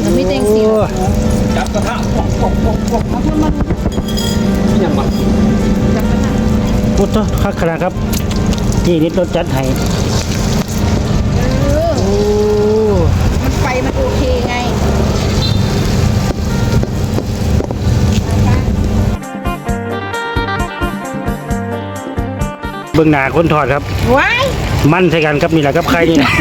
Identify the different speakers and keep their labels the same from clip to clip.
Speaker 1: มันไม่เต็งสิ
Speaker 2: จับกระทะปอกยังมา
Speaker 3: พุทธคักขนาดครับจีนิดรถจัดให้
Speaker 1: มันไฟมันโอเคไง
Speaker 3: เบื้องหน้าคนถอดครับ
Speaker 1: ว้าย
Speaker 3: มันใช่กันครับนี่แหละครับใครนี่นะ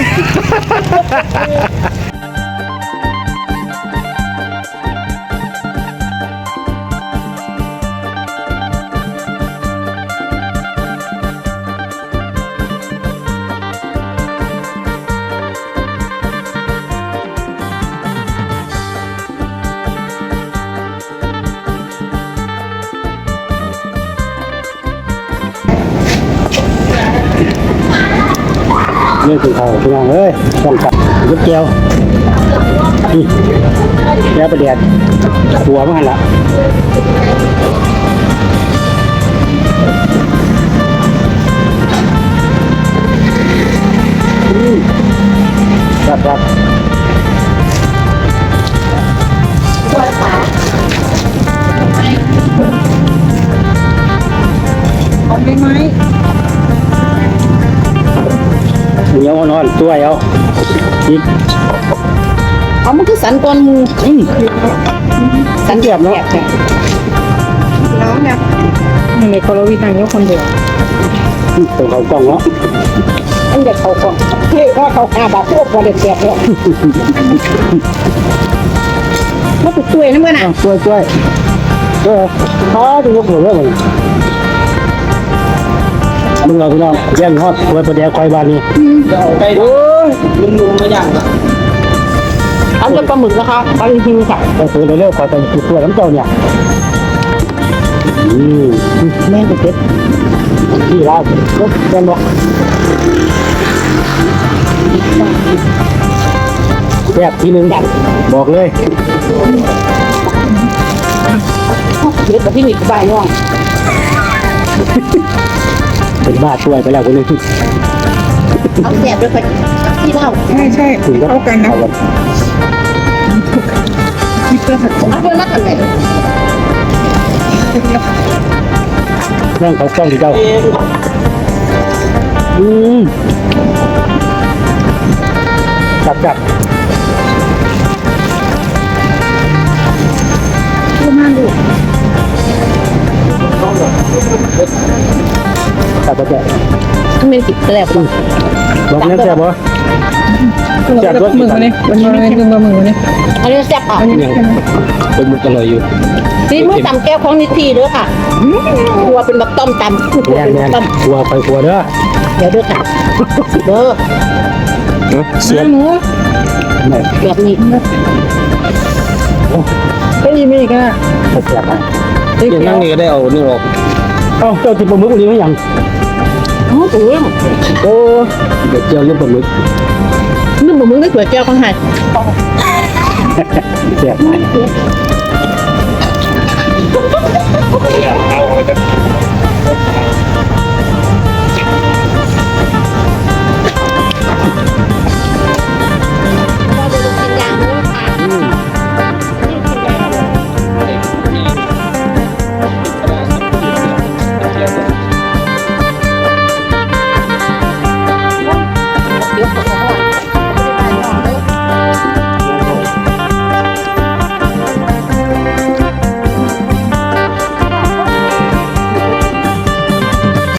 Speaker 3: เรื่องของเขาพี่น้องเอ้ยต้องจับยุบเจียวนี่แล้วประเดี๋ยวหัวมันละครับ
Speaker 1: เอาได้ไหม
Speaker 3: เหนียวนอนตัวเอาอีก
Speaker 1: เอามันคือสันก้อนมู
Speaker 3: สันเดียบเนาะ
Speaker 1: แล้วเนี่ยในโคโลวีทางยกคนเดียว
Speaker 3: ตัวเขากล้องเนาะ
Speaker 1: อันเด็กเขาก่อนเฮ้ยว่าเขาขาบาดพวกบอลเด็ดแสบเลยมาปุดตัวนั่นเมื่อน่ะ
Speaker 3: ตัวเขาจะยกหัวเรื่องมึงเราพี่น้องแย่งฮอดตัวประเดี๋ยวคอยบานนี้
Speaker 2: จะเอาไปโอ้ยลุงมาอย่างละ
Speaker 1: อันเป็นปลาหมึกนะคะปลาหิวค่ะ
Speaker 3: ต้องซื้อเร็วๆคอยไปตัวน้ำเจ้าเนี่ยแม่งเป็ดที่ร้านรถแกนบอกแซ่บทีนึงบอกเลย
Speaker 1: เด็ดแบบที่มีกระบายย่อง
Speaker 3: เป็นบ้าช่วยไปแล้วคนนึง
Speaker 1: เอาแสบด้วยไปที่เล่าใช่เข้ากันนะคิดเพื่อผัดเอาเพื่อนักกันเลย
Speaker 3: นั่งเขากล้องที่เจ้าจับ
Speaker 1: ดูมากดู
Speaker 3: จับ
Speaker 1: ต้องเป็นติดแสบ
Speaker 3: บอกเนี้ยแซ่บบ่
Speaker 1: จับรถมือนี่วันนี้ไม่กินบะหมี่วันนี้อันนี้แซ่บอ่ะ
Speaker 2: เป็นมุกอร่อยอยู่
Speaker 1: ซีมือตำแก้วของนิทีด้วยค่ะครัวเป็นแบบต้มตำ
Speaker 3: ครัวไปครัวเด้อ
Speaker 1: เดี๋ยวด้วยค่ะเด้อ
Speaker 3: เสียหมู
Speaker 1: แบบนี้ก็ดีไม่ก็
Speaker 3: แซ่บอ่ะ
Speaker 2: ยังนั่งนี่ก็ได้เอานี่ออก
Speaker 3: เจ้าที่ปลาหมึกนี้ไม่ยัง
Speaker 1: ถูก
Speaker 3: โอ้เดี๋ยวเจียวเรื่องปลาหมึก
Speaker 1: นึ่งปลาหมึกได้สวยแก้วของหาย
Speaker 3: แซ่บ